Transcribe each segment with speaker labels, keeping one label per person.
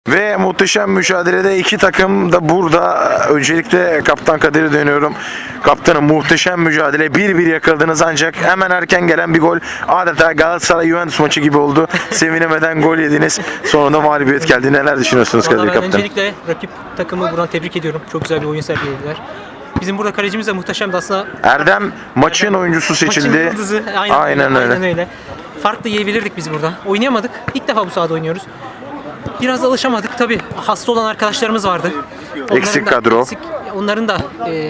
Speaker 1: Ve muhteşem mücadelede iki takım da burada. Öncelikle Kaptan Kadir'e dönüyorum. Kaptanım, muhteşem mücadele. 1-1 yakaladınız ancak hemen erken gelen bir gol. Adeta Galatasaray-Juventus maçı gibi oldu. Sevinemeden gol yediniz. Sonunda mağlubiyet geldi. Neler düşünüyorsunuz Kadir
Speaker 2: Vallahi ben
Speaker 1: Kaptan?
Speaker 2: öncelikle rakip takımı buradan tebrik ediyorum. Çok güzel bir oyun sergilediler. Bizim burada kalecimiz de muhteşemdi aslında.
Speaker 1: Erdem maçın oyuncusu seçildi.
Speaker 2: Maçın yıldızı.
Speaker 1: Aynen öyle.
Speaker 2: Aynen öyle. Farklı yiyebilirdik biz burada. Oynayamadık. İlk defa bu sahada oynuyoruz. Biraz alışamadık. Tabii hasta olan arkadaşlarımız vardı.
Speaker 1: Eksik kadro.
Speaker 2: Onların da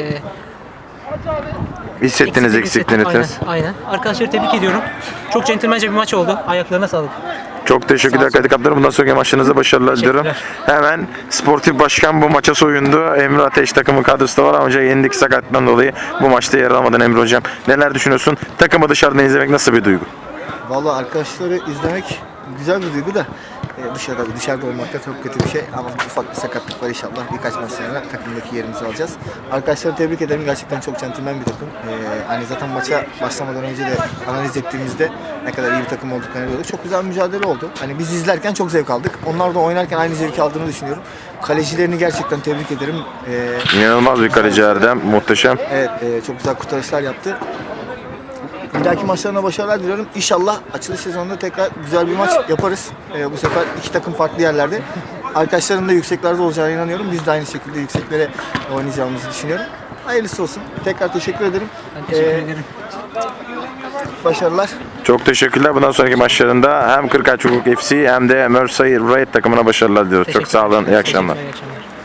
Speaker 1: Hissettiniz eksikliğini.
Speaker 2: Aynen. Arkadaşları tebrik ediyorum. Çok centilmence bir maç oldu. Ayaklarına sağlık.
Speaker 1: Çok teşekkürler Kadir Kaptanım. Bundan sonraki maçlarınızda başarılar diliyorum. Hemen sportif başkan bu maça soyundu. Emre Ateş takımın kadrosu da var ama yenildik sakatlıktan dolayı bu maçta yer alamadan. Emre hocam neler düşünüyorsun? Takımı dışarıdan izlemek nasıl bir duygu?
Speaker 3: Vallahi arkadaşları izlemek güzel bir duygu da dışarıda olmak da çok kötü bir şey ama ufak bir sakatlık var, inşallah birkaç maç sonra takımdaki yerimizi alacağız. Arkadaşları tebrik ederim, gerçekten çok centilmen bir takım. Hani zaten maça başlamadan önce de analiz ettiğimizde ne kadar iyi bir takım olduklarını gördük. Çok güzel bir mücadele oldu. Hani biz izlerken çok zevk aldık. Onlar da oynarken aynı zevki aldığını düşünüyorum. Kalecilerini gerçekten tebrik ederim.
Speaker 1: İnanılmaz bir kaleci Erdem, muhteşem.
Speaker 3: Evet, çok güzel kurtarışlar yaptı. Bir dahaki maçlarına başarılar diliyorum. İnşallah açılış sezonunda tekrar güzel bir maç yaparız. Bu sefer iki takım farklı yerlerde. Arkadaşların da yükseklerde olacağına inanıyorum. Biz de aynı şekilde yükseklere oynayacağımızı düşünüyorum. Hayırlısı olsun. Tekrar teşekkür ederim.
Speaker 2: Ben teşekkür ederim.
Speaker 3: Başarılar.
Speaker 1: Çok teşekkürler. Bundan sonraki maçlarında hem Kırkağaç Hukuk FC hem de Merseyside Red takımına başarılar diliyoruz. Çok sağ olun. İyi akşamlar.
Speaker 2: İyi akşamlar.